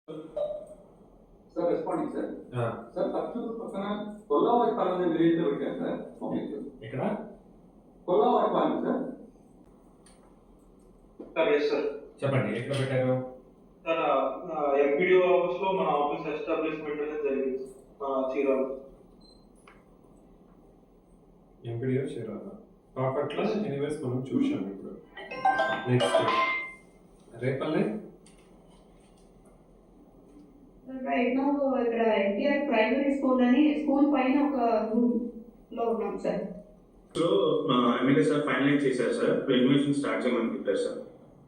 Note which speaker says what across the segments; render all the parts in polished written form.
Speaker 1: Sir responding sir sir Parchur పక్కన కొల్లావరిపాలెం అనే village లో పెట్టారు సార్ పబ్లిక్
Speaker 2: ఇక్కడ
Speaker 1: Kollavaripalem sir
Speaker 3: sir yes sir
Speaker 2: చెప్పండి ఎక్కడ పెట్టారు
Speaker 3: సార్ ఎంపీడీఓ ఆఫీస్ లో మన ఆఫీస్ ఎస్టాబ్లిష్మెంట్ అనేది జరిగింది చీరాలు
Speaker 2: ఎంపీడీఓ చీరాల బాపట్ల ఎనీవేస్ మనం చూసాం ఇప్పుడు నెక్స్ట్ రేపల్లె
Speaker 4: రైట్ నౌ ఇక్కడ ఎన్టీఆర్ ప్రైమరీ స్కూల్ అని స్కూల్ పైన ఒక రూమ్ లో ఉన్నాం sir.
Speaker 5: So MLA sir finalise చేశారు సార్, రెన్యువేషన్ స్టార్ట్ చేయమని చెప్పారు సార్.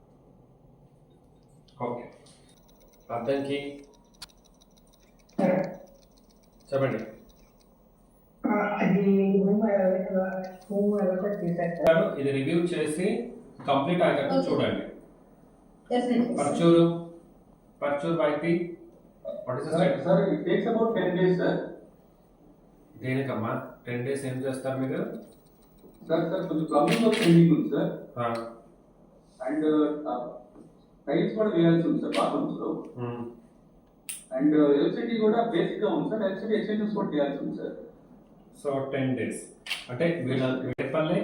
Speaker 2: ఓకే అర్థంకి చెప్పండి. ఇది రివ్యూ చేసి కంప్లీట్ అయ్యేటట్టు చూడండి. Parchur YP
Speaker 1: sir it takes about 10 days sir.
Speaker 2: దేనికమ్మా 10 days ఏం చేస్తారు మీరు?
Speaker 1: సార్ కొంచెం ప్లంబింగ్ వర్క్ పెండింగ్ ఉంది సార్. అండ్ టైల్స్ కూడా వేయాల్సి ఉంది సార్ బాత్రూమ్స్ లో. అండ్ ఎలక్ట్రిసిటీ కూడా బేసిక్ గా ఉంది సార్. ఎలక్ట్రిసిటీ ఎక్స్టెన్షన్స్ కూడా చేయాల్సి ఉంది సార్.
Speaker 2: సో 10 days అంటే Repalle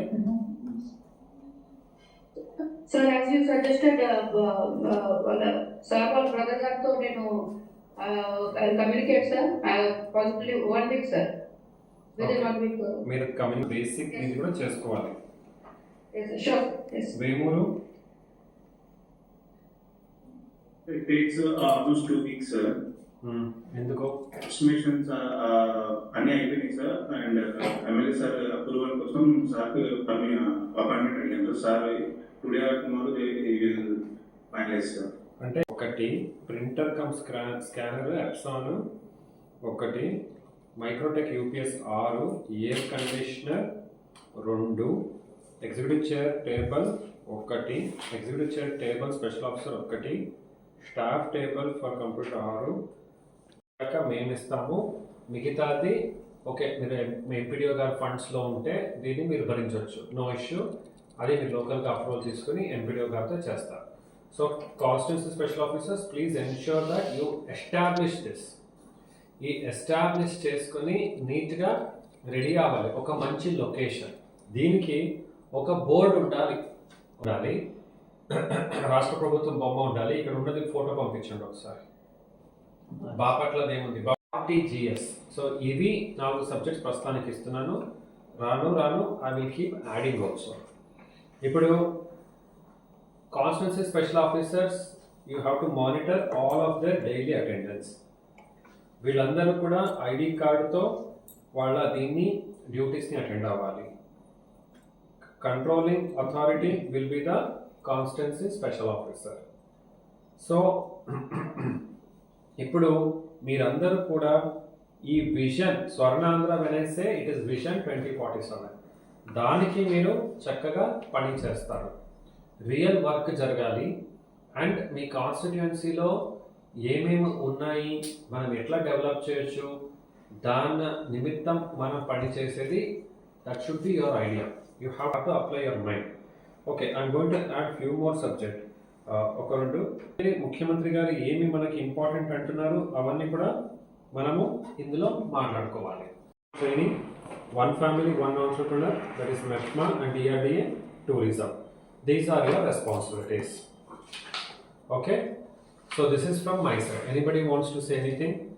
Speaker 4: sir as you suggested sir వాళ్ళ బ్రదర్ గారితో నేను communicate sir possibly 1 week sir. Within 1 week
Speaker 2: మీరు కమ్యూనికేట్ బేసిక్ ఇది కూడా చేసుకోవాలి.
Speaker 4: Sure
Speaker 2: Vemuru
Speaker 5: It takes almost 2 weeks sir.
Speaker 2: ఎందుకు?
Speaker 5: ఎస్టిమేషన్స్ అన్ని అయిపోయినాయి sir. And MLA sir approval కోసం సార్ అపాయింట్మెంట్ అడిగాను sir. Today or tomorrow they will finalise sir.
Speaker 2: అంటే ఒకటి ప్రింటర్ కమ్ స్కానర్ ఎప్సాన్, ఒకటి Microtek UPS 6, air conditioner 2, executive chair table 1, executive chair table special officer 1, staff table for computer 6 దాకా మేము ఇస్తాము. మిగతాది okay మీరు MPDO గారి ఫండ్స్లో ఉంటే దీన్ని మీరు భరించవచ్చు, నో ఇష్యూ. అది మీరు లోకల్గా అప్రూవల్ తీసుకుని ఎంపీడీఓ గారితో చేస్తారు. So constituency special officers please ensure that you establish this. ఈ ఎస్టాబ్లిష్ చేసుకుని నీట్గా రెడీ అవ్వాలి. ఒక మంచి లొకేషన్, దీనికి ఒక బోర్డు ఉండాలి. రాష్ట్ర ప్రభుత్వం బొమ్మ ఉండాలి. ఇక్కడ ఉన్నది ఫోటో పంపించండి ఒకసారి. బాపట్లది ఏముంది? ఆర్టీజీఎస్. సో ఇవి 4 సబ్జెక్ట్స్ ప్రస్తుతానికి ఇస్తున్నాను. రాను I will keep adding also. ఇప్పుడు constituency special officers you have to monitor all of their daily attendance. వీళ్ళందరూ కూడా ఐడి కార్డుతో వాళ్ళ దీన్ని డ్యూటీస్ని అటెండ్ అవ్వాలి. Controlling authority will be the constituency special officer. So ఇప్పుడు మీరందరూ కూడా ఈ విజన్ స్వర్ణాంధ్ర వెనైసే ఇట్ ఇస్ విజన్ 2047 దానికి మీరు చక్కగా పని చేస్తారు. రియల్ వర్క్ జరగాలి. అండ్ మీ కాన్స్టిట్యుయెన్సీలో ఏమేమి ఉన్నాయి, మనం ఎట్లా డెవలప్ చేయొచ్చు, దాని నిమిత్తం మనం పని చేసేది. That should be your idea. You have to apply your mind. Okay I'm going to add few more subject. ఒక 2 ముఖ్యమంత్రి గారు ఏమి మనకి ఇంపార్టెంట్ అంటున్నారు అవన్నీ కూడా మనము ఇందులో మాట్లాడుకోవాలి. Training 1 family 1 entrepreneur, that is MEFMA and DRDA tourism. These are your responsibilities. Okay, so this is from my side. Anybody wants to say anything?